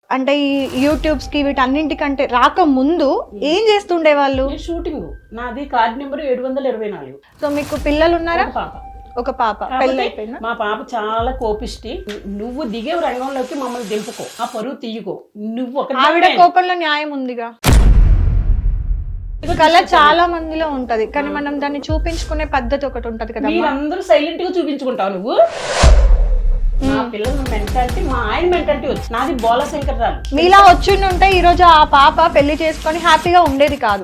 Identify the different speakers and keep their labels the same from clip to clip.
Speaker 1: అంటే ఈ యూట్యూబ్స్ కి వీటన్నింటికంటే రాక ముందు ఏం చేస్తుండే వాళ్ళు?
Speaker 2: షూటింగ్ నాది కార్డ్ నెంబర్ 724.
Speaker 1: సో మీకు పిల్లలు ఉన్నారా?
Speaker 2: పాప.
Speaker 1: ఒక పాప. పెళ్ళి అయిపోయిందా?
Speaker 2: మా పాప చాలా కోపిష్టి. నువ్వు దిగే రంగంలోకి మమ్మల్ని దింపుకో, ఆ పరువు తీయకో. నువ్వు ఒక
Speaker 1: ఆవిడ కోపంలో న్యాయం ఉందిగా. కళ చాలా మందిలో ఉంటది, కానీ మనం దాన్ని చూపించుకునే పద్ధతి ఒకటి ఉంటది కదా.
Speaker 2: మీరందరూ సైలెంట్ గా చూపించుకుంటావు నువ్వు. మా పిల్లల మెంటాలిటీ, మా ఆయన మెంటాలిటీ వచ్చి నాది బోల శంకర్రాలు.
Speaker 1: మీలా వచ్చిండుంటే ఈ రోజు ఆ పాప పెళ్లి చేసుకొని హ్యాపీగా ఉండేది కాదు.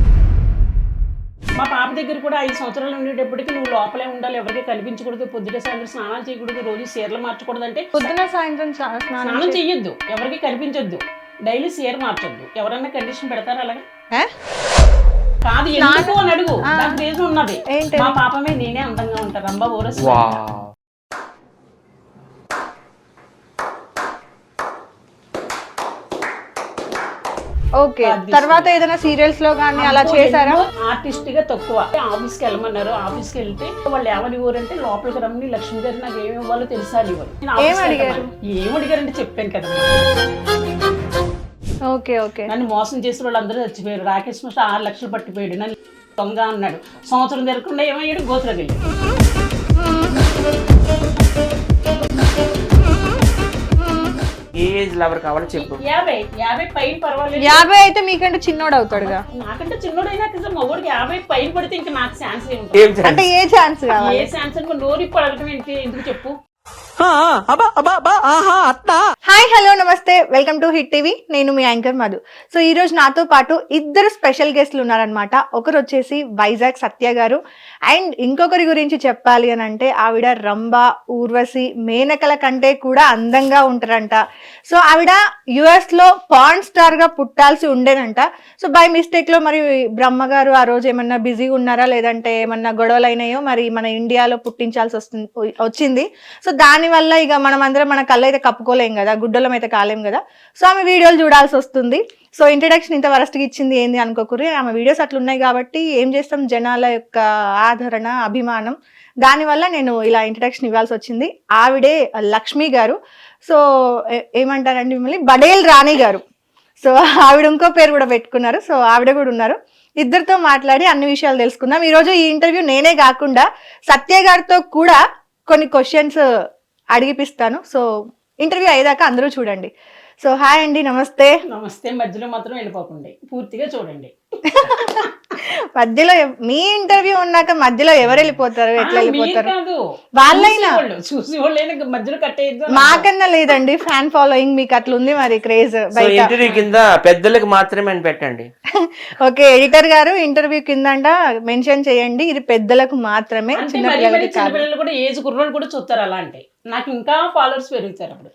Speaker 2: మా పాప దగ్గర కూడా 5 సంవత్సరాలు ఉండేటప్పటికి నువ్వు లోపలే ఉండాలి, ఎవరికి కనిపించకూడదు, పొద్దున సాయంత్రం స్నానాలు చేయకూడదు, రోజు చీరలు మార్చకూడదు అంటే
Speaker 1: పొద్దున సాయంత్రం
Speaker 2: స్నానం చెయ్యొద్దు, ఎవరికి కనిపించొద్దు, డైలీ చీర మార్చొద్దు. ఎవరన్నా కండిషన్ పెడతారా అలాగా? కాదు, ఎందుకు అని అడుగు. దానికి రీజన్ ఉన్నది. మా పాపమే నేనే అందంగా ఉంటాను. రంభా ఓరస్.
Speaker 1: ఓకే, తర్వాత ఏదైనా సీరియల్స్ లో గానీ అలా చేశారా?
Speaker 2: ఆర్టిస్ట్ గా తక్కువ. ఆఫీస్కి వెళ్ళమన్నారు, ఆఫీస్కి వెళ్తే వాళ్ళు ఏమని ఊరంటే లోపలికి రమ్మని లక్ష్మి గారు నాకు ఏమి ఇవ్వాలో తెలుసా అని ఏమడిగారంటే చెప్పాను కదా.
Speaker 1: Okay okay.
Speaker 2: నన్ను మోసం చేసిన వాళ్ళందరూ చచ్చిపోయారు. రాకేష్ మాస్టర్ 6 లక్షలు పట్టిపోయాడు. నన్ను దొంగ అన్నాడు. సంవత్సరం జరగకుండా ఏమయ్యాడు, గోతులోకి వెళ్ళాడు.
Speaker 3: ఏజ్ లవర్ కావాలో చెప్పు.
Speaker 2: 50 పైన పర్వాలేదు.
Speaker 1: 50 అయితే మీకంటే చిన్నోడు అవుతాడుగా.
Speaker 2: నాకంటే చిన్నోడైనా కదా మగోడికి 50 పైన పడితే ఇంకా నాకు ఛాన్స్
Speaker 1: అంటే ఏ ఛాన్స్ కావాలి?
Speaker 2: ఏ ఛాన్స్ అని నోరు పడగటం ఏంటి, ఎందుకు చెప్పు.
Speaker 1: హాయ్ హలో నమస్తే, వెల్కమ్ టు హిట్ టీవీ. నేను మీ యాంకర్ మధు. సో ఈ రోజు నాతో పాటు ఇద్దరు స్పెషల్ గెస్ట్లు ఉన్నారనమాట. ఒకరు వచ్చేసి వైజాగ్ సత్య గారు, అండ్ ఇంకొకరి గురించి చెప్పాలి అని అంటే ఆవిడ రంభ, ఊర్వశి, మేనకల కంటే కూడా అందంగా ఉంటారంట. సో ఆవిడ US లో పాన్ స్టార్ గా పుట్టాల్సి ఉండేనంట. సో బై మిస్టేక్ లో మరి బ్రహ్మ గారు ఆ రోజు ఏమన్నా బిజీగా ఉన్నారా, లేదంటే ఏమన్నా గొడవలు అయినాయో మరి మన ఇండియాలో పుట్టించాల్సి వచ్చింది. సో దానివల్ల ఇక మనం అందరం మన కళ్ళు అయితే కప్పుకోలేం కదా, గుడ్డలం అయితే కాలేం కదా. సో ఆమె వీడియోలు చూడాల్సి వస్తుంది. సో ఇంట్రడక్షన్ ఇంత వరస్ట్గా ఇచ్చింది ఏంది అనుకోకూరి, ఆమె వీడియోస్ అట్లా ఉన్నాయి కాబట్టి ఏం చేస్తాం, జనాల యొక్క ఆదరణ, అభిమానం, దానివల్ల నేను ఇలా ఇంట్రడక్షన్ ఇవ్వాల్సి వచ్చింది. ఆవిడే లక్ష్మి గారు. సో ఏమంటారండి మిమ్మల్ని, బడేల్ రాణి గారు. సో ఆవిడ ఇంకో పేరు కూడా పెట్టుకున్నారు. సో ఆవిడ కూడా ఉన్నారు. ఇద్దరితో మాట్లాడి అన్ని విషయాలు తెలుసుకుందాం. ఈరోజు ఈ ఇంటర్వ్యూ నేనే కాకుండా సత్య గారితో కూడా కొన్ని క్వశ్చన్స్ అడిగిపిస్తాను. సో ఇంటర్వ్యూ అయ్యేదాకా అందరూ చూడండి. సో హాయ్ అండి, నమస్తే.
Speaker 2: నమస్తే. మధ్యలో మాత్రం వెళ్ళిపోకండి, పూర్తిగా చూడండి.
Speaker 1: మధ్యలో మీ ఇంటర్వ్యూ ఉన్నాక మధ్యలో ఎవరు వెళ్ళిపోతారు, ఎట్లా వెళ్ళిపోతారు? వాళ్ళైనా
Speaker 2: చూసి వాళ్ళైనా మధ్యలో కట్టేయద్దు.
Speaker 1: మాకన్నా లేదండి ఫ్యాన్ ఫాలోయింగ్, మీకు అట్లా ఉంది మరి క్రేజ్.
Speaker 3: ఇంటర్వ్యూ కింద పెద్దలకు మాత్రమే అని పెట్టండి.
Speaker 1: ఓకే, ఎడిటర్ గారు ఇంటర్వ్యూ కింద మెన్షన్ చేయండి, ఇది పెద్దలకు మాత్రమే,
Speaker 2: చిన్నపిల్లలు కూడా, ఏజ్ కుర్రోళ్ళు కూడా చూస్తారు. అలా అంటే నాకు ఇంకా ఫాలోవర్స్ పెరుగుతారు అప్పుడు.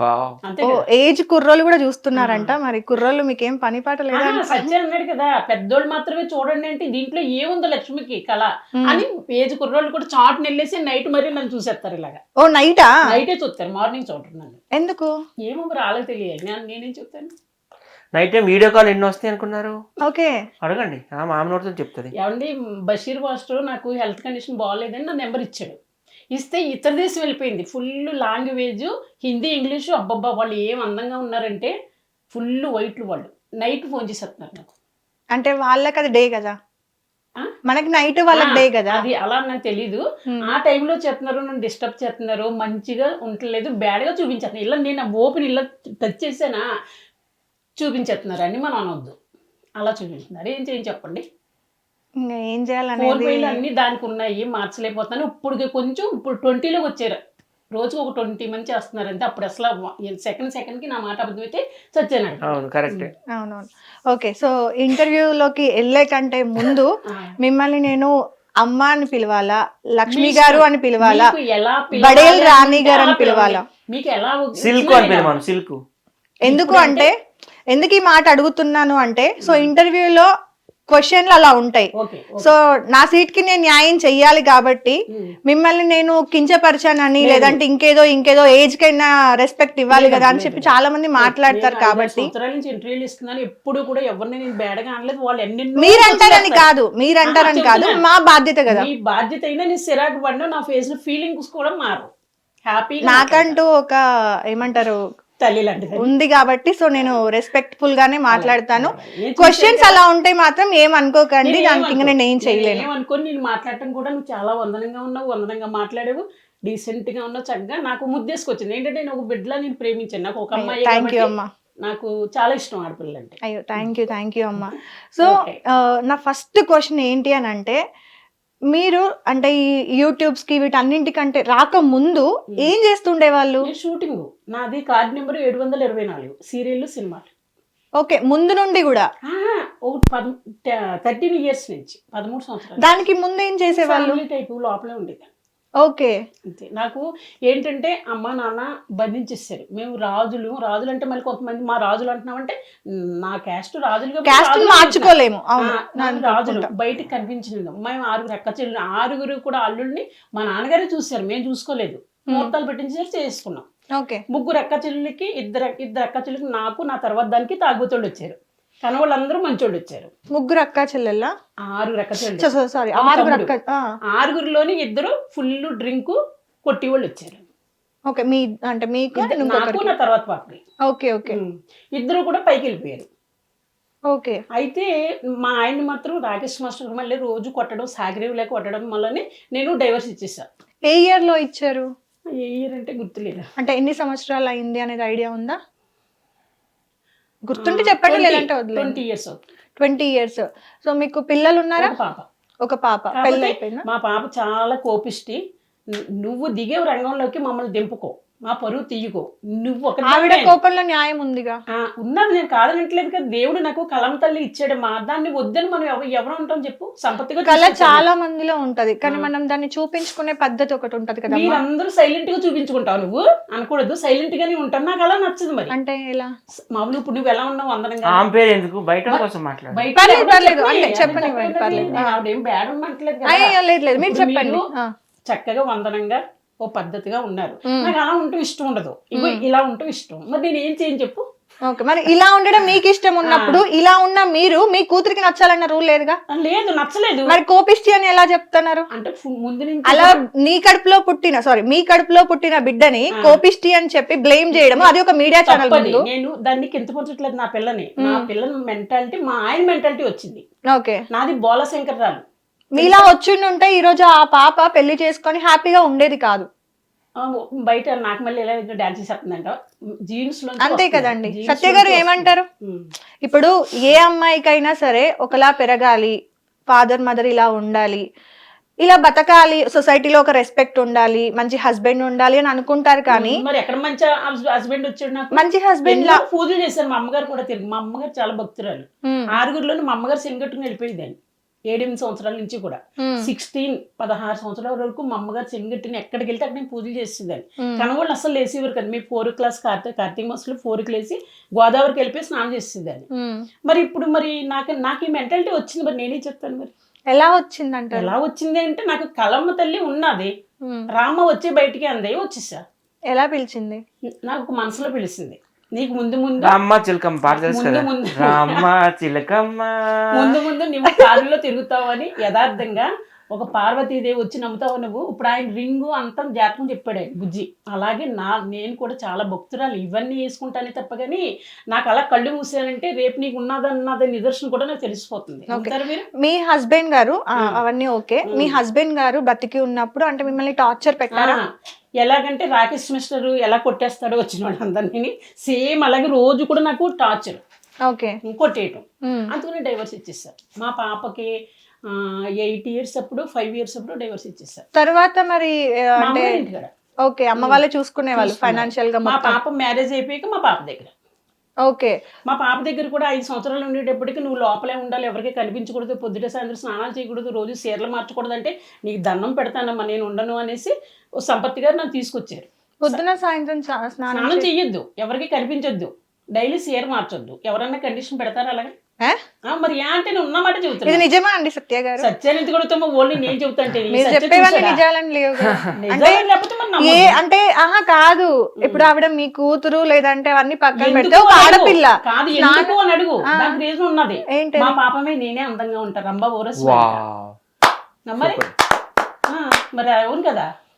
Speaker 1: ఏజ్ కుర్రోళ్ళు కూడా చూస్తున్నారంట. మరి కుర్రోళ్ళు మీకేం పని పాట లేదా?
Speaker 2: సత్య అన్నాడు కదా, పెద్దోళ్ళు మాత్రమే చూడండి అంటే దీంట్లో ఏముందో లక్ష్మికి కళ అని ఏజ్ కుర్రోళ్ళు కూడా చాట్ నెల్లేసి నైట్ మరీ నన్ను చూసేస్తారు ఇలాగా.
Speaker 1: ఓ నైటా?
Speaker 2: నైటే చూస్తారు, మార్నింగ్ చూడరు నన్ను.
Speaker 1: ఎందుకు
Speaker 2: ఏమో మరి వాళ్ళకి తెలియదు, నేనేం చెప్తాను.
Speaker 3: నైట్ టైం వీడియో కాల్ ఎన్ని వస్తాయి అనుకున్నారు?
Speaker 1: ఓకే
Speaker 3: అడగండి, మామ నోటితో చెప్తుంది.
Speaker 2: ఏమండి, బషీర్ మాస్టర్ నాకు హెల్త్ కండిషన్ బాగాలేదని నా నెంబర్ ఇచ్చాడు. ఇస్తే ఇతర దేశం వెళ్ళిపోయింది. Full language, Hindi, English. అబ్బబ్బా, వాళ్ళు ఏం అందంగా ఉన్నారంటే ఫుల్ వైట్లు. వాళ్ళు నైట్ ఫోన్ చేసేస్తున్నారు నాకు.
Speaker 1: అంటే వాళ్ళకి అది డే కదా, మనకి నైట్ వాళ్ళకి డే కదా.
Speaker 2: అది అలా నాకు తెలీదు. ఆ టైంలో చేస్తున్నారు, నన్ను డిస్టర్బ్ చేస్తున్నారు, మంచిగా ఉండలేదు, బ్యాడ్గా చూపించేస్తున్నారు. ఇలా నేను ఓపెన్ ఇలా టచ్ చేసానా చూపించేస్తున్నారు అని మనం అనవద్దు. అలా చూపించుతున్నారు. ఏం చేయండి చెప్పండి.
Speaker 1: ఇంకా ఏం చేయాలని
Speaker 2: అన్ని దానికి ఉన్నాయి, మార్చలేకపోతున్నాను. ఇప్పుడు కొంచెం ఇప్పుడు 20లోకి వచ్చారు. రోజుకు ఒక 20 మంది చేస్తున్నారు అంతే. అప్పుడు అసలు సెకండ్ కి నా మాట అబద్ధమైతే చచ్చాను.
Speaker 1: అవునవును. ఓకే, సో ఇంటర్వ్యూలోకి వెళ్ళే కంటే ముందు మిమ్మల్ని నేను అమ్మ అని పిలవాలా, లక్ష్మి గారు అని పిలవాలా, బడేల్ రాణి గారు అని పిలవాలా?
Speaker 2: మీకు ఎలా
Speaker 3: సిల్క్ అని పిలవాను. సిల్క్
Speaker 1: ఎందుకు అంటే, ఎందుకు ఈ మాట అడుగుతున్నాను అంటే, సో ఇంటర్వ్యూలో క్వశ్చన్లు అలా ఉంటాయి. సో నా సీట్ కి నేను న్యాయం చెయ్యాలి కాబట్టి మిమ్మల్ని నేను కించపరిచానని, లేదంటే ఇంకేదో ఏజ్ కైనా రెస్పెక్ట్ ఇవ్వాలి కదా అని చెప్పి చాలా మంది మాట్లాడతారు. కాబట్టి మీరంటారని కాదు, మా బాధ్యత కదా.
Speaker 2: బాధ్యత అయినా నీ సిరాకు నా ఫేస్ లో ఫీలింగ్స్ కూడా మారు. హ్యాపీ
Speaker 1: నాకంటూ ఒక ఏమంటారు
Speaker 2: తల్లి లాంటిది
Speaker 1: ఉంది కాబట్టి సో నేను రెస్పెక్ట్ఫుల్ గానే మాట్లాడతాను.
Speaker 2: నేను
Speaker 1: క్వశ్చన్స్ అలా ఉంటే మాత్రం ఏం అనుకోకండి, దానికి ఇంకా నేను ఏం చేయలేను.
Speaker 2: ఏమనుకోని నేను మాట్లాడటం కూడా నువ్వు చాలా వందనంగా ఉన్నావు, వందనంగా మాట్లాడావు, డీసెంట్ గా ఉన్నావు, చక్కగా నాకు ముద్దేసుకొచ్చింది. ఏంటంటే నేను ఒక బిడ్డలా నేను ప్రేమించాను. నాకు ఒక అమ్మాయి
Speaker 1: థ్యాంక్ యూ
Speaker 2: కాబట్టి
Speaker 1: అమ్మా.
Speaker 2: నాకు చాలా ఇష్టం ఆడపిల్లలు అంటే.
Speaker 1: అయ్యో థ్యాంక్ యూ అమ్మా. So
Speaker 2: Okay.
Speaker 1: నా ఫస్ట్ క్వశ్చన్ ఏంటి అని అంటే, మీరు అంటే ఈ యూట్యూబ్స్ కి వీటన్నింటికంటే రాకముందు ఏం చేస్తుండే వాళ్ళు?
Speaker 2: నేను షూటింగ్ నాది కార్డ్ నెంబర్ 724 సీరియల్ సినిమాలు.
Speaker 1: ఓకే, ముందు నుండి కూడా?
Speaker 2: ఒక 13 years నుంచి 13 సంవత్సరాలు.
Speaker 1: దానికి ముందు ఏం చేసేవాళ్ళు?
Speaker 2: ఫ్యామిలీ టైపు లోపలే ఉండేది
Speaker 1: ఓకే.
Speaker 2: అంతే. నాకు ఏంటంటే అమ్మ నాన్న బంధించేస్తారు. మేము రాజులు అంటే మళ్ళీ కొంతమంది మా రాజులు అంటున్నామంటే నా క్యాస్ట్ రాజులు కాబట్టి
Speaker 1: క్యాస్ట్
Speaker 2: రాజులు
Speaker 1: మార్చుకోలేము. అవును,
Speaker 2: నాకు రాజులు బయటికి కనిపించలేదు. మేము 6 అక్క చెల్లెలు, 6 కూడా అల్లుల్ని మా నాన్నగారే చూశారు, మేము చూసుకోలేదు. ముహూర్తాలు పెట్టించేసి చేసుకున్నాం.
Speaker 1: ఓకే.
Speaker 2: 3 అక్క చెల్లెలకి ఇద్దరు అక్క చెల్లెలకి నాకు నా తర్వాత దానికి తాగుతోళ్ళు వచ్చారు. కానీ వాళ్ళందరూ మంచోళ్ళు వచ్చారు.
Speaker 1: 3 అక్క చెల్లెళ్ళ?
Speaker 2: 6 అక్క చెల్లెలు.
Speaker 1: సారీ,
Speaker 2: ఒక
Speaker 1: 6
Speaker 2: తమ్ముడు.
Speaker 1: అక్క.
Speaker 2: 6లోని 2 ఫుల్ డ్రింక్ కొట్టి వాళ్ళు వచ్చారు.
Speaker 1: ఓకే, మీ అంటే మీకు
Speaker 2: నాకు నా తర్వాత పాపకి.
Speaker 1: Okay okay.
Speaker 2: 2 కూడా పైకి వెళ్ళిపోయారు.
Speaker 1: ఓకే.
Speaker 2: అయితే మా ఆయన్ని మాత్రం రాకేష్ మాస్టర్ మళ్ళీ రోజు కొట్టడం, సాగరేవులే కొట్టడం వల్లనే నేను డైవర్స్ ఇచ్చేసా.
Speaker 1: ఏ ఇయర్ లో ఇచ్చారు?
Speaker 2: ఏ ఇయర్ అంటే గుర్తులేదు.
Speaker 1: అంటే ఎన్ని సంవత్సరాలు అయింది అనేది ఐడియా ఉందా? గుర్తుంటే చెప్పండి, లేదంటే వదిలేదు.
Speaker 2: 20 years.
Speaker 1: 20 years. సో మీకు పిల్లలు ఉన్నారా?
Speaker 2: ఒక పాప.
Speaker 1: ఒక పాప. పెళ్ళి అయిపోయిందా?
Speaker 2: మా పాప చాలా కోపిష్టి. నువ్వు దిగే రంగంలోకి మమ్మల్ని దింపుకో, మా పరువు తీయకో. నువ్వు ఒక
Speaker 1: ఆవిడ కోపంలో న్యాయం ఉందిగా.
Speaker 2: ఉన్నది, నేను కాదనట్లేదు కదా. దేవుడు నాకు కలం తల్లి ఇచ్చాడు. మా దాన్ని వద్దని మనం ఎవరు ఉంటాం చెప్పు? సంపత్తిగా
Speaker 1: కళ చాలా మందిలో ఉంటది, కానీ మనం దాన్ని చూపించుకునే పద్ధతి ఒకటి ఉంటది కదా.
Speaker 2: మీరందరూ సైలెంట్ గా చూపించుకుంటావు, నువ్వు అనకూడదు. సైలెంట్ గానే ఉంటాను, నాకు అలా నచ్చదు. మరి
Speaker 1: అంటే ఎలా?
Speaker 2: మామూలు ఇప్పుడు నువ్వు ఎలా ఉన్నావు వందనంగా,
Speaker 3: ఆమె పేరు ఎందుకు బయట కోసం మాట్లాడు.
Speaker 2: బయట
Speaker 1: పర్లేదు,
Speaker 2: ఎవరో
Speaker 1: పర్లేదు.
Speaker 2: చెప్పని,
Speaker 1: అంటే చెప్పండి,
Speaker 2: చెప్పని
Speaker 1: పర్లేదు.
Speaker 2: నేను ఆవిడేం బ్యాడ్ ఉండట్లేదు కదా.
Speaker 1: అయ్యో లేదు లేదు, మీరు
Speaker 2: ఇప్పుడు
Speaker 1: చెప్పండి.
Speaker 2: మీరు చక్కగా వందనంగా ఓ పద్ధతిగా ఉన్నారు. నాకు అలా ఉంటూ ఇష్టం ఉండదు, ఇగో ఇలా ఉంటూ ఇష్టం. మరి నేను ఏం చేయను చెప్పు?
Speaker 1: ఓకే, మరి ఇలా ఉండడం మీకు ఇష్టం ఉన్నప్పుడు ఇలా ఉన్న మీరు మీ కూతురికి నచ్చాలన్న రూల్ లేదుగా?
Speaker 2: లేదు, నచ్చలేదు.
Speaker 1: మరి కోపిష్టి అని ఎలా చెప్తున్నారు?
Speaker 2: అంటే ముందు నుంచి
Speaker 1: అలా మీ కడుపులో పుట్టిన బిడ్డని కోపిష్టి అని చెప్పి బ్లేమ్ చేయడం, అది ఒక మీడియా ఛానల్ ముందు.
Speaker 2: నేను దాన్ని కింద పొంచట్లేదు నా పిల్లని. నా పిల్లల మెంటాలిటీ మా ఆయన మెంటాలిటీ వచ్చింది.
Speaker 1: ఓకే.
Speaker 2: నాది బోల శంకర్రాలు.
Speaker 1: మీలా వచ్చిండుంటే ఈ రోజు ఆ పాప పెళ్లి చేసుకొని హ్యాపీగా ఉండేది కాదు.
Speaker 2: బయట నాకు మళ్ళీ ఎలా డాన్స్ చేస్తుందంట జీన్స్ లో.
Speaker 1: అంతే కదండి. సత్య గారు ఏమంటారు? ఇప్పుడు ఏ అమ్మాయికైనా సరే ఒకలా పెరగాలి, ఫాదర్ మదర్ ఇలా ఉండాలి, ఇలా బతకాలి, సొసైటీలో ఒక రెస్పెక్ట్ ఉండాలి, మంచి హస్బెండ్ ఉండాలి అని అనుకుంటారు. కానీ
Speaker 2: మరి ఎక్కడ మంచి హస్బెండ్ వచ్చాడు నాకు?
Speaker 1: మంచి హస్బెండ్ లా
Speaker 2: పూజలు చేశారు. మా అమ్మగారు కూడా తిరిగి, మా అమ్మగారు చాలా భక్తురాలు. 6 మా అమ్మగారు సెంగట్టుకుని వెళ్ళిపోయిందండి. 7-8 సంవత్సరాల నుంచి కూడా 16 సంవత్సరాల వరకు మా అమ్మగారు చెంగట్టిని ఎక్కడికి వెళ్తే అక్కడ నేను పూజలు చేసేదాన్ని. కనవాళ్ళు అసలు లేసేవారు కదా. మీ 4 క్లాస్ కార్తీక మాసంలో 4కి లేసి గోదావరికి వెళ్ళిపోయి స్నానం చేసేదాన్ని. మరి ఇప్పుడు మరి నాకు ఈ మెంటాలిటీ వచ్చింది. మరి నేనే చెప్తాను. మరి
Speaker 1: ఎలా వచ్చిందంట?
Speaker 2: ఎలా వచ్చింది అంటే నాకు కలమ్మ తల్లి ఉన్నది, రామ్మ వచ్చి బయటికి అందే వచ్చేసా.
Speaker 1: ఎలా పిలిచింది?
Speaker 2: నాకు మనసులో పిలిచింది. నీకు ముందు
Speaker 3: రామ్మ చిలకమ్మ పాట తెలుసు కదా. రామ్మ చిలకమ్మ
Speaker 2: ముందు నువ్వు కారులో తిరుగుతావని యథార్థంగా ఒక పార్వతీదేవి వచ్చి నమ్ముతావు నువ్వు. ఇప్పుడు ఆయన రింగు అంతా జాతకం చెప్పాడు ఆయన బుజ్జి. అలాగే నేను కూడా చాలా భక్తురాలు, ఇవన్నీ వేసుకుంటానే తప్ప కానీ నాకు అలా కళ్ళు మూసానంటే రేపు నీకు ఉన్నదన్నది నిదర్శనం కూడా నాకు తెలిసిపోతుంది. మీరు
Speaker 1: మీ హస్బెండ్ గారు అవన్నీ ఓకే, మీ హస్బెండ్ గారు బతికి ఉన్నప్పుడు అంటే మిమ్మల్ని టార్చర్ పెట్టారా?
Speaker 2: ఎలాగంటే రాకేష్ మిస్టర్ ఎలా కొట్టేస్తాడో వచ్చిన వాళ్ళందరినీ సేమ్ అలాగే రోజు కూడా నాకు టార్చర్,
Speaker 1: ఓకే,
Speaker 2: కొట్టేయటం. అందుకని డైవర్స్ ఇచ్చేసారు. మా పాపకి 8 years అప్పుడు 5 years అప్పుడు డైవర్స్ ఇచ్చేసారు.
Speaker 1: తర్వాత మరి అంటే ఓకే, అమ్మ వాళ్ళే చూసుకునే వాళ్ళు ఫైనాన్షియల్ గా.
Speaker 2: మా పాప మ్యారేజ్ అయిపోయాక మా పాప దగ్గర,
Speaker 1: ఓకే,
Speaker 2: మా పాప దగ్గర కూడా 5 సంవత్సరాలు ఉండేటప్పటికి నువ్వు లోపలే ఉండాలి, ఎవరికి కనిపించకూడదు, పొద్దుట సాయంత్రం స్నానాలు చేయకూడదు, రోజు చీరలు మార్చకూడదు, అంటే నీకు దండం పెడతానమ్మా నేను ఉండను అనేసి ఓ సంపత్తి గారు నన్ను తీసుకొచ్చారు.
Speaker 1: పొద్దున సాయంత్రం
Speaker 2: స్నానం చెయ్యొద్దు, ఎవరికి కనిపించొద్దు, డైలీ చీర మార్చొద్దు. ఎవరన్నా కండిషన్ పెడతారా అలాగే? మరి అంటే నేను ఉన్నమాట చెబుతాను.
Speaker 1: ఇది నిజమా అండి సత్య గారు?
Speaker 2: సత్యాన్ని ఎందుకు అడుగుతామో, ఓన్లీ నేను చెబుతాంటే
Speaker 1: చెప్పేవన్నీ నిజాలని లేవు. అంటే ఆహా కాదు, ఇప్పుడు ఆవిడ మీ కూతురు లేదంటే అవన్నీ పక్కన పెడితే ఒక ఆడపిల్ల
Speaker 2: కాదు ఎందుకు అని అడుగు. దానికి రీజన్ ఉన్నది. మా పాపమే నేనే అందంగా ఉంటా, రంభా ఓరస్. మరి మరి అవును కదా.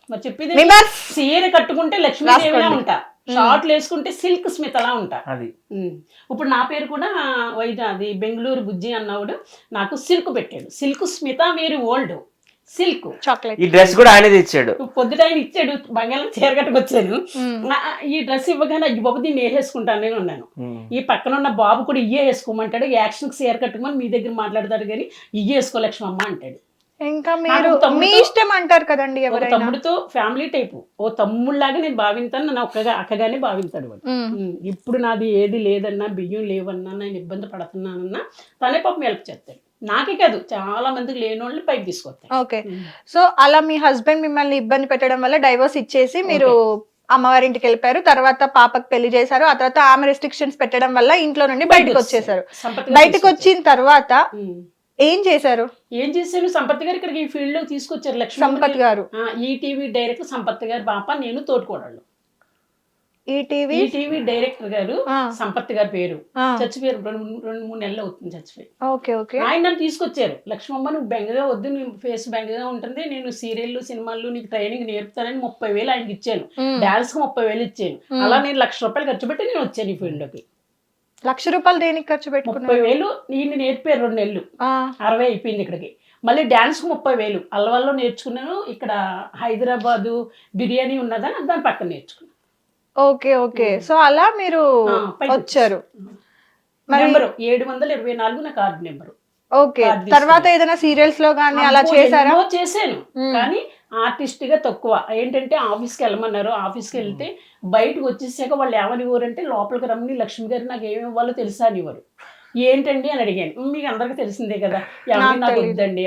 Speaker 2: మరి చెప్పేది
Speaker 1: Members.
Speaker 2: చీర కట్టుకుంటే లక్ష్మీదేవిలా ఉంటా, షార్ట్లు వేసుకుంటే సిల్క్ స్మితలా ఉంటా.
Speaker 3: అది
Speaker 2: ఇప్పుడు నా పేరు కూడా అది బెంగళూరు బుజ్జి అన్నవాడు నాకు సిల్క్ పెట్టాడు. సిల్క్ స్మిత వేరు ఓల్డ్ సిల్క్
Speaker 1: చాక్లెట్.
Speaker 3: ఈ డ్రెస్ కూడా ఆయనే తెచ్చాడు.
Speaker 2: పొద్దుట ఆయన ఇచ్చాడు, బంగాళం చీర కట్టుకొచ్చాను. ఈ డ్రెస్ ఇవ్వగానే అయ్యి బాబు దీన్ని వేసేసుకుంటాను నేను ఉన్నాను. ఈ పక్కన ఉన్న బాబు కూడా ఇయ్యే వేసుకోమంటాడు, యాక్షన్కి చీర కట్టుకోమని మీ దగ్గర మాట్లాడతాడు కానీ ఇయ్యే వేసుకో లక్ష్మమ్మ అంటాడు.
Speaker 1: ఇంకా మీరు మీ ఇష్టం అంటారు కదండి ఎవరైనా.
Speaker 2: తమ్ముడితో ఫ్యామిలీ టైపు, ఓ తమ్ముళ్ళలాగా నేను భావింతాను, నన్ను అక్కగానే భావింతాడు వాడు. ఇప్పుడు నాది ఏది లేదన్నా, బియ్యం లేవన్నా, నేను ఇబ్బంది పడుతున్నానన్నా తనే పాపం హెల్ప్ చేస్తాడు. నాకే కాదు చాలా మందికి లేని వాళ్ళు పైకి తీసుకొస్తాడు.
Speaker 1: ఓకే, సో అలా మీ హస్బెండ్ మిమ్మల్ని ఇబ్బంది పెట్టడం వల్ల డైవోర్స్ ఇచ్చేసి మీరు అమ్మవారింటికి వెళ్ళిపోయారు. తర్వాత పాపకు పెళ్లి చేశారు. ఆ తర్వాత ఆమె రెస్ట్రిక్షన్స్ పెట్టడం వల్ల ఇంట్లో నుండి బయటకు వచ్చేసారు. బయటకు వచ్చిన తర్వాత ఏం చేశారు?
Speaker 2: ఏం చేశాను, సంపత్ గారు ఇక్కడికి ఈ ఫీల్డ్ లో తీసుకొచ్చారు. లక్ష్మీ
Speaker 1: సంపత్ గారు
Speaker 2: ఈటీవీ డైరెక్టర్ సంపత్ గారు పాప, నేను తోడుకోడాళ్ళు. ఈటీవీ డైరెక్టర్ గారు సంపత్ గారి పేరు, చచ్చిపోయారు 2-3 నెలలు అవుతుంది చచ్చిపోయి.
Speaker 1: ఓకే ఓకే,
Speaker 2: ఆయన నన్ను తీసుకొచ్చారు. లక్ష్మమ్మ నువ్వు బెంగగా వద్దు, నీ ఫేస్ బెంగగా ఉంటుంది, నేను సీరియల్ సినిమాలు నీకు ట్రైనింగ్ నేర్పుతానని 30,000 ఆయనకి ఇచ్చాను. డాన్స్ కు 30,000 ఇచ్చాను. అలా నేను ₹1,00,000 ఖర్చు పెట్టి నేను వచ్చాను ఈ ఫీల్డ్ లోకి.
Speaker 1: ₹1,00,000 దేనికి ఖర్చు పెట్టుకున్నారు?
Speaker 2: 30,000 ఈయన నేర్పారు 2 నెలలు, 60 అయిపోయింది ఇక్కడికి. మళ్ళీ డాన్స్ కు 30,000 అల్లవల్లో నేర్చుకున్నాను. ఇక్కడ హైదరాబాదు బిర్యానీ ఉన్నదని దాని పక్కన నేర్చుకున్నాను.
Speaker 1: ఓకే ఓకే, సో అలా మీరు వచ్చారు.
Speaker 2: నెంబరు 724 నా కార్డు నెంబరు.
Speaker 1: ఓకే, తర్వాత ఏదైనా సీరియల్స్ లో గానీ అలా చేశారా?
Speaker 2: చేశాను కానీ ఆర్టిస్ట్ గా తక్కువ. ఏంటంటే ఆఫీస్కి వెళ్ళమన్నారు, ఆఫీస్కి వెళ్తే బయటకు వచ్చేసాక వాళ్ళు ఏమనివ్వరంటే లోపలికి రమ్మని లక్ష్మి గారు నాకు ఏమి ఇవ్వాలో తెలుసా అనివ్వరు. ఏంటండి అని అడిగాను. మీకు అందరికి తెలిసిందే కదా, ఎవరి నాకు వద్దండి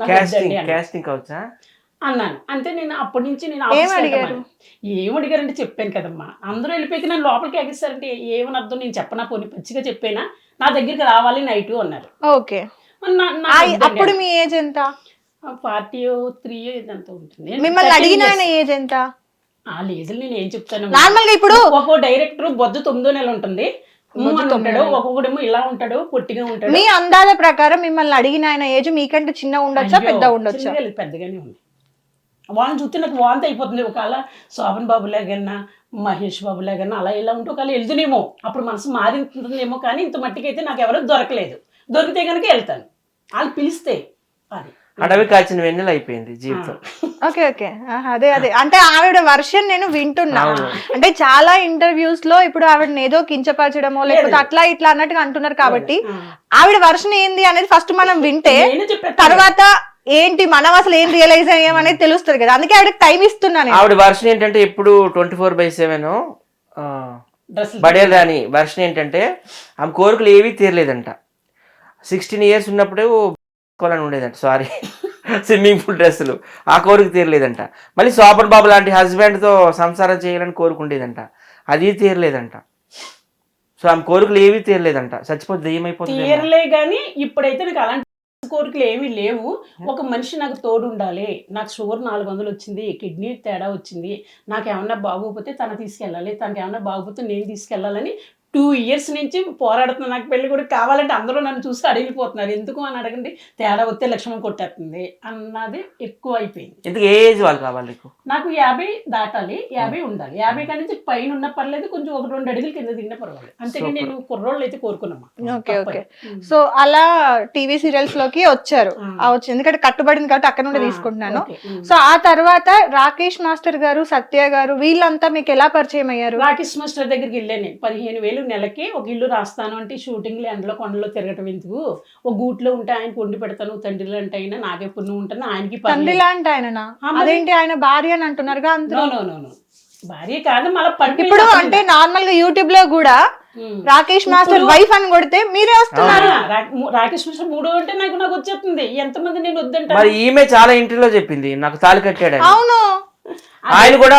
Speaker 2: అన్నాను. అంతే. నేను అప్పటి నుంచి నేను ఏమడిగారంటే చెప్పాను కదమ్మా, అందరూ వెళ్ళిపోయి నన్ను లోపలికి ఎగిస్తారంటే ఏమని అర్థం, నేను చెప్పనా, పోనీ పచ్చిగా చెప్పేనా, నా దగ్గరికి రావాలి నైట్ అన్నారు.
Speaker 1: ఓకే, అప్పుడు మీ ఏజ్ ఎంత?
Speaker 2: 43 ఇదంతా ఉంటుంది.
Speaker 1: మిమ్మల్ని అడిగిన ఆయన ఏజ్ ఎంత?
Speaker 2: ఆ లేదు, నేను ఏం చెప్తాను,
Speaker 1: నార్మల్గా ఇప్పుడు
Speaker 2: ఒక్కో డైరెక్టర్ బొద్దు 9 నెలలు ఉంటుంది, ఉంటాడు, ఒక్కొక్కడేమో ఇలా ఉంటాడు, పొట్టిగా ఉంటాడు.
Speaker 1: మీ అందాల ప్రకారం మిమ్మల్ని అడిగిన ఆయన ఏజ్ మీకంటే చిన్న ఉండొచ్చా పెద్ద ఉండొచ్చా?
Speaker 2: పెద్దగానే ఉంది. వాళ్ళని చూస్తే నాకు వాంతి అయిపోతుంది. ఒకవేళ శోభన్ బాబు లాగన్నా, మహేష్ బాబు లాగన్నా అలా ఇలా ఉంటే ఒకవేళ వెళ్తునేమో, అప్పుడు మనసు మారింటుందేమో. కానీ ఇంత మట్టికైతే నాకు ఎవరో దొరకలేదు. దొరికితే కనుక వెళ్తాను, వాళ్ళు పిలిస్తే. అది
Speaker 3: అడవి కాచిన వెన్నెల అయిపోయింది జీవితం.
Speaker 1: ఓకే ఓకే, అదే అదే అంటే ఆవిడ వర్షన్ నేను వింటున్నా. అంటే చాలా ఇంటర్వ్యూస్ లో ఇప్పుడు ఆవిడని ఏదో కించపరచడమో లేకపోతే అట్లా ఇట్లా అన్నట్టుగా అంటున్నారు కాబట్టి ఆవిడ వర్షన్ ఏంది అనేది ఫస్ట్ మనం వింటే తర్వాత ఏంటి మనం అసలు ఏం రియలైజ్ అయ్యామనేది తెలుస్తుంది కదా. అందుకే ఆవిడకి టైం ఇస్తున్నాను.
Speaker 3: ఆవిడ వర్షన్ ఏంటంటే ఎప్పుడు 24/7 బడేల్ రాని వర్షన్ ఏంటంటే ఆమె కోరికలు ఏవీ తీరలేదంట. 16 years ఉన్నప్పుడు అని ఉండేదంట, సారీ స్విమ్మింగ్ పూల్ డ్రెస్సులు, ఆ కోరిక తీరలేదంట. మళ్ళీ శోభన్ బాబు లాంటి హస్బెండ్తో సంసారం చేయాలని కోరుకుండేదంట, అది తీరలేదంట. సో ఆమె కోరికలు ఏవీ తీరలేదంట, చచ్చిపోతే దెయ్యమైపోతుంది.
Speaker 2: తీరలే కానీ ఇప్పుడైతే నాకు అలాంటి కోరికలు ఏమీ లేవు. ఒక మనిషి నాకు తోడు ఉండాలి. నాకు షుగర్ 400 వచ్చింది, కిడ్నీ తేడా వచ్చింది, నాకు ఏమన్నా బాగోకపోతే తన తీసుకెళ్ళాలి, తనకి ఏమన్నా బాగోకపోతే నేను తీసుకెళ్ళాలని 2 years నుంచి పోరాడుతున్నాను. నాకు పెళ్లి కూడా కావాలంటే అందరూ నన్ను చూసి అడిగిపోతున్నారు. ఎందుకు అని అడగండి, తేడా వస్తే లక్ష్మం కొట్టేస్తుంది అన్నది ఎక్కువ అయిపోయింది.
Speaker 3: ఎందుకు ఏ ఏజ్ వాళ్ళు కావాలి
Speaker 2: నాకు 50 దాటాలి, 50 ఉండాలి. 50 కాడి నుంచి పైన ఉన్న పర్లేదు, కొంచెం 1-2 అడుగులు కింద దిగిన పర్వాలేదు. అంతేగాని నేను కుర్రోళ్ళు అయితే కోరుకున్నామా.
Speaker 1: ఓకే ఓకే, సో అలా టీవీ సీరియల్స్ లోకి వచ్చారు. ఎందుకంటే కట్టుబడింది కాబట్టి అక్కడ నుండి తీసుకుంటున్నాను. సో ఆ తర్వాత రాకేష్ మాస్టర్ గారు, సత్య గారు వీళ్ళంతా మీకు ఎలా పరిచయం అయ్యారు?
Speaker 2: రాకేష్ మాస్టర్ దగ్గరికి వెళ్ళాను. 15,000 నెలకి ఒక ఇల్లు రాస్తాను అంటే షూటింగ్లు ఎండలో కొండలో తిరగటం ఎందుకు, ఒక గూట్లో ఉంటే ఆయన వండి పెడతాను, తండ్రి లాంటి అయినా నాకే పుణ్యం ఉంటాను, ఆయనకి
Speaker 1: తండ్రి లాంటి ఆయన. అదేంటి ఆయన భార్య అని అంటున్నారుగా?
Speaker 2: భార్య కాదు మళ్ళీ పండి.
Speaker 1: ఇప్పుడు అంటే నార్మల్ గా యూట్యూబ్ లో కూడా రాకేష్ మాస్టర్ వైఫ్ అని కొడితే మీరే వస్తున్నారు.
Speaker 2: రాకేష్ మాస్టర్ 3 అంటే నాకు వచ్చేస్తుంది. ఎంతమంది నేను వద్దంటా.
Speaker 3: మరి ఈమె చాలా ఇంటర్వ్యూలో చెప్పింది నాకు తాళి కట్టాడు.
Speaker 1: అవును,
Speaker 3: ఆయన కూడా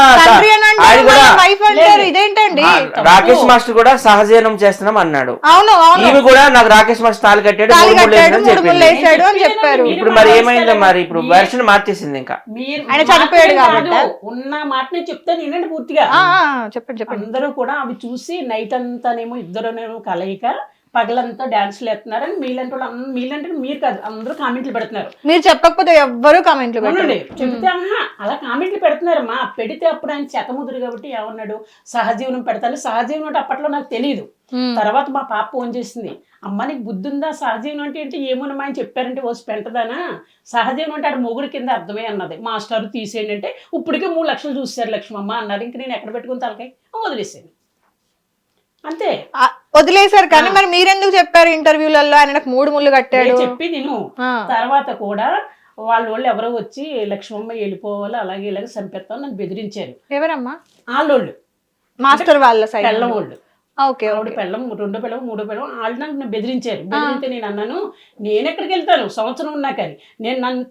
Speaker 1: ఇదేంటండి
Speaker 3: రాకేష్ మాస్టర్ కూడా సహజీవనం చేస్తున్నాం అన్నాడు.
Speaker 1: అవును,
Speaker 3: ఈమె కూడా నాకు రాకేష్ మాస్టర్ తాళి కట్టాడు అని చెప్పారు. ఇప్పుడు మరి ఏమైందో మరి ఇప్పుడు వెర్షన్ మార్చేసింది. ఇంకా
Speaker 1: ఆయన చనిపోయాడు కాబట్టి
Speaker 2: ఉన్న మాట నేను చెప్తాను ఏంటంటే పూర్తిగా
Speaker 1: చెప్పండి.
Speaker 2: అందరూ కూడా అవి చూసి నైట్ అంతానేమో ఇద్దరునేమో కలయిక పగలంతా డాన్సులు వేస్తున్నారని మీలంటే మీరు కాదు అందరూ కామెంట్లు పెడుతున్నారు.
Speaker 1: మీరు చెప్పకపోతే ఎవ్వరూ కామెంట్లు
Speaker 2: అవునండి,
Speaker 1: పెట్టండి.
Speaker 2: చెబితే అలా కామెంట్లు పెడుతున్నారమ్మా. పెడితే అప్పుడు ఆయన చెతముదురు కాబట్టి ఏమన్నాడు, సహజీవనం పెడతాను. సహజీవనం అంటే అప్పట్లో నాకు తెలియదు. తర్వాత మా పాప ఫోన్ చేసింది, అమ్మ నీకు బుద్ధి ఉందా, సహజీవనం అంటే ఏంటి, ఏమోనమ్మా అని చెప్పారంటే ఓసి పెంటదానా, సహజీవనం అంటే ఆడ మొగుడు కింద అర్థమే అన్నది. మాస్టర్ తీసేయండి అంటే ఇప్పటికే 3 లక్షలు చూసారు లక్ష్మమ్మ అన్నారు. ఇంక నేను ఎక్కడ పెట్టుకుని తలకాయ వదిలేసాను అంతే.
Speaker 1: వదిలేశారు. కానీ మరి మీరెందుకు చెప్పారు ఇంటర్వ్యూలలో ఆయన నాకు 3 ముళ్ళు కట్టాడు
Speaker 2: చెప్పి నేను తర్వాత కూడా వాళ్ళు ఎవరో వచ్చి లక్ష్మమ్మ వెళ్ళిపోవాలి అలాగే ఇలాగే చంపేస్తాం నన్ను బెదిరించారు.
Speaker 1: ఎవరమ్మా?
Speaker 2: వాళ్ళోళ్ళు
Speaker 1: మాస్టర్ వాళ్ళ సైడ్
Speaker 2: పెళ్ళం వాళ్ళు.
Speaker 1: ఓకే,
Speaker 2: పెళ్ళం 2 పెళ్ళం 3 పెళ్ళం వాళ్ళు నన్ను బెదిరించారు. బెదిరితే నేను అన్నాను, నేను ఎక్కడికి వెళ్తాను సంవత్సరం ఉన్నాకని, నేను నన్ను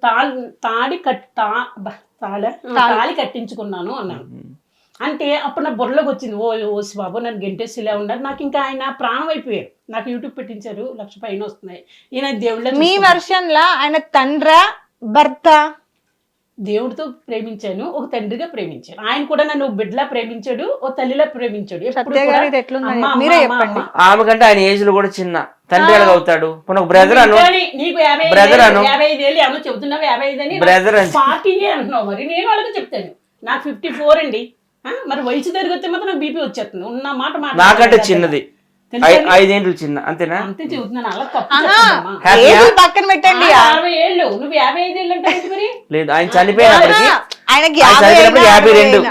Speaker 2: తాళి కట్టించుకున్నాను అన్నాను. అంటే అప్పుడు నా బుర్రలోకి వచ్చింది, ఓ బాబు నన్ను గెంటేసిలా ఉన్నారు. నాకు ఇంకా ఆయన ప్రాణం అయిపోయారు. నాకు యూట్యూబ్ పెట్టించారు, 1 లక్ష పైన వస్తున్నాయి. ఈయన దేవుళ్ళ
Speaker 1: మీ వర్షన్ లా ఆయన తండ్రా భర్త?
Speaker 2: దేవుడితో ప్రేమించాను, ఒక తండ్రిగా ప్రేమించాను. ఆయన కూడా నన్ను బిడ్డలా ప్రేమించాడు, ఓ తల్లిలా ప్రేమించాడు.
Speaker 1: మీరే చెప్పండి.
Speaker 3: ఆమె కంటే ఆయన ఏజ్ లో కూడా చిన్న, తండ్రి ఎలాగ అవుతాడు? బ్రదర్ అను,
Speaker 2: నీకు
Speaker 3: బ్రదర్ అను,
Speaker 2: 55 ఏమో చెబుతున్నావు, 55 అని
Speaker 3: బ్రదర్
Speaker 2: 40 అంటున్నావు. మరి నేను వాళ్ళకి చెప్తాను నాకు 54 అండి. మరి వయసు తిరిగితే మాత్రం నాకు బీపీ వచ్చేస్తుంది. ఉన్న మాట
Speaker 3: నాకంటే చిన్నది, 5 ఏళ్ళు చిన్న, అంతేనా?
Speaker 2: అంతే చెబుతున్నాను. అలా తప్పు
Speaker 1: పక్కన పెట్టండి.
Speaker 2: 60 ఏళ్ళు, నువ్వు 55 ఏళ్ళు అంటే మరి
Speaker 3: లేదు, ఆయన చనిపోయినప్పటికీ
Speaker 1: ఆయనకి
Speaker 3: 52.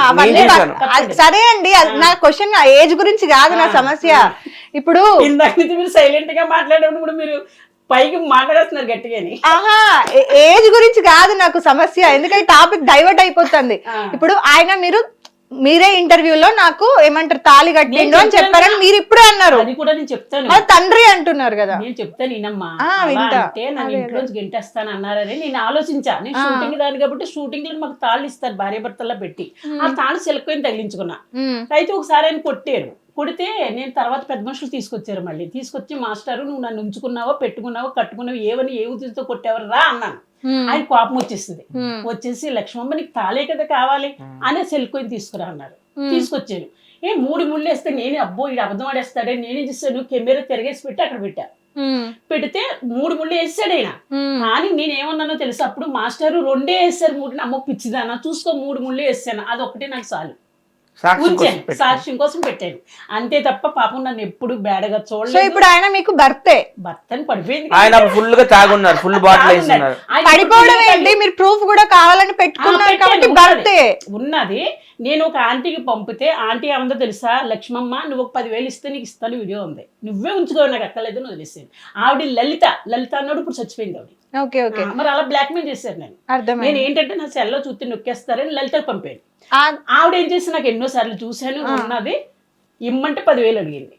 Speaker 1: సరే అండి, నా క్వశ్చన్ ఏజ్ గురించి కాదు నా సమస్య. ఇప్పుడు
Speaker 2: ఇందాక నుంచి మీరు సైలెంట్ గా మాట్లాడేటప్పుడు మీరు పైకి మాట్లాడేస్తున్నారు గట్టిగాని.
Speaker 1: ఏజ్ గురించి కాదు నాకు సమస్య, ఎందుకంటే టాపిక్ డైవర్ట్ అయిపోతుంది. ఇప్పుడు ఆయన మీరే ఇంటర్వ్యూలో నాకు ఏమంటారు తాళి కట్టిండు అని చెప్పారని మీరు ఇప్పుడే అన్నారు.
Speaker 2: అది కూడా నేను చెప్తాను,
Speaker 1: తండ్రి అంటున్నారు కదా.
Speaker 2: నేను చెప్తాను ఈయనమ్మా, అంటే నన్ను ఇంట్లోంచి గెంటేస్తాను అన్నారని నేను ఆలోచించా. నేను షూటింగ్ దాని కాబట్టి షూటింగ్ లో మాకు తాళ్ళు ఇస్తారు భార్య భర్తల్లో పెట్టి, ఆ తాళ్ళు సిలకొని తగిలించుకున్నా. అయితే ఒకసారి ఆయన కొట్టారు. కొడితే నేను తర్వాత పెద్ద మనుషులు తీసుకొచ్చారు. మళ్ళీ తీసుకొచ్చి మాస్టారు నువ్వు నన్ను ఉంచుకున్నావో పెట్టుకున్నావో కట్టుకున్నావో ఏవని ఏ ఉద్దేశంతో కొట్టేవారు రా అన్నాను. ఆయన కోపం వచ్చేసింది. వచ్చేసి లక్ష్మమ్మ నీకు తాళే కదా కావాలి అనే సెల్కొని తీసుకురా అన్నారు. తీసుకొచ్చాను. 3 ముళ్ళు వేస్తే నేనే అబ్బో ఇది అబద్ధం ఆడేస్తాడే, నేనే చేస్తాను కెమెరా తిరగేసి పెట్టి అక్కడ పెట్టా. పెడితే 3 ముళ్ళు వేసాడు ఆయన. కానీ నేనేమన్నానో తెలుసు, అప్పుడు మాస్టారు 2 వేసారు, 3 అమ్మ పిచ్చిదానా చూసుకో 3 ముళ్ళు వేసాను, అది ఒకటే నాకు చాలు ఉంచాను, సాక్ష్యం కోసం పెట్టాను అంతే తప్ప పాపం నన్ను ఎప్పుడు బేడగా చూడలేదు.
Speaker 1: ఇప్పుడు ఆయన మీకు భర్తే
Speaker 2: అని పడిపోయింది.
Speaker 3: ఆయన ఫుల్ గా తాగున్నారు, ఫుల్ బాటిల్ వేస్తున్నారు.
Speaker 1: పడిపోవడం ఏంటి, మీరు ప్రూఫ్ కూడా కావాలని పెట్టుకున్నారు కాబట్టి భర్తే ఉన్నది.
Speaker 2: నేను ఒక ఆంటీకి పంపితే ఆంటీ ఏమందో తెలుసా, లక్ష్మమ్మ నువ్వు ఒక 10,000 ఇస్తే నీకు ఇస్తాను వీడియో ఉంది, నువ్వే ఉంచుకో నాకు అక్కర్లేదు అని వదిలేసాను. ఆవిడ లలిత అన్నాడు, ఇప్పుడు చచ్చిపోయింది ఆవిడ. మరి అలా బ్లాక్ మెయిల్ చేశారు. నేను ఏంటంటే నా సెల్లో చూస్తే నొక్కేస్తారని లలితకు పంపాను. ఆవిడ ఏం చేసి నాకు ఎన్నోసార్లు చూశాను ఉన్నది, ఇమ్మంటే 10,000 అడిగింది.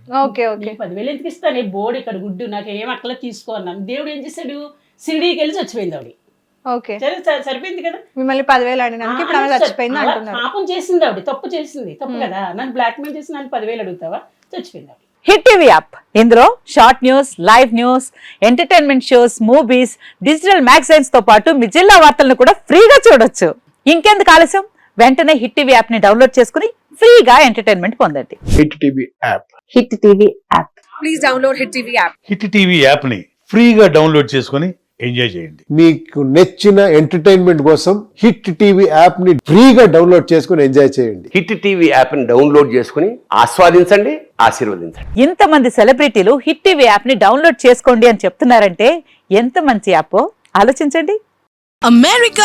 Speaker 2: 10,000 ఎందుకు ఇస్తాను, బోర్డు ఇక్కడ గుడ్డు నాకు ఏం అక్కల తీసుకో అన్నాను. దేవుడు ఏం చేశాడు, సిరిడీకి వెళ్ళి చచ్చిపోయింది ఆవిడ. సరిపోయింది కదా,
Speaker 1: మిమ్మల్ని 10,000 అడిగినాక ఇప్పుడు ఆమె చచ్చిపోయింది అంటున్నారు.
Speaker 2: పాపం చేసింది ఆవిడ, తప్పు చేసింది, తప్పు కదా. నన్ను బ్లాక్ మెయిల్ చేసి నన్ను 10,000 అడుగుతావా, చచ్చిపోయింది ఆవిడ.
Speaker 4: హిట్ టీవీ యాప్, ఇందులో short news, live news, entertainment shows, movies, digital magazines తో పాటు మీ జిల్లా వార్తలను కూడా ఫ్రీగా చూడొచ్చు. ఇంకెందుకు ఆలస్యం, వెంటనే హిట్ టీవీ యాప్ ని డౌన్లోడ్ చేసుకుని ఫ్రీగా ఎంటర్టైన్మెంట్ పొందండి.
Speaker 5: Hit TV app,
Speaker 4: Hit TV app,
Speaker 6: please download Hit TV app.
Speaker 5: Hit TV app ని ఫ్రీగా డౌన్లోడ్ చేసుకుని ఎంజాయ్ చేయండి.
Speaker 7: మీకు నచ్చిన ఎంటర్టైన్మెంట్ కోసం హిట్ టీవీ యాప్ ని ఫ్రీగా డౌన్లోడ్ చేసుకుని ఎంజాయ్ చేయండి.
Speaker 8: హిట్ టీవీ యాప్ ని డౌన్లోడ్ చేసుకుని ఆస్వాదించండి, ఆశీర్వదించండి.
Speaker 4: ఇంతమంది సెలబ్రిటీలు హిట్ టీవీ యాప్ ని డౌన్లోడ్ చేసుకోండి అని చెప్తున్నారంటే ఎంత మంచి యాప్ ఆలోచించండి.
Speaker 6: అమెరికా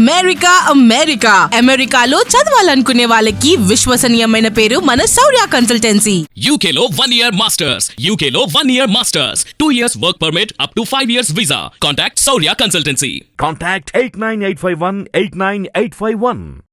Speaker 6: అమెరికాలో చదవాలనుకునే వాళ్ళకి విశ్వసనీయమైన పేరు మన శౌర్య కన్సల్టెన్సీ.
Speaker 9: UK లో 1 year masters, UK లో 1 year masters, 2 years work permit up to 5 years visa. Contact Saurya Consultancy.
Speaker 10: Contact 89851 89851.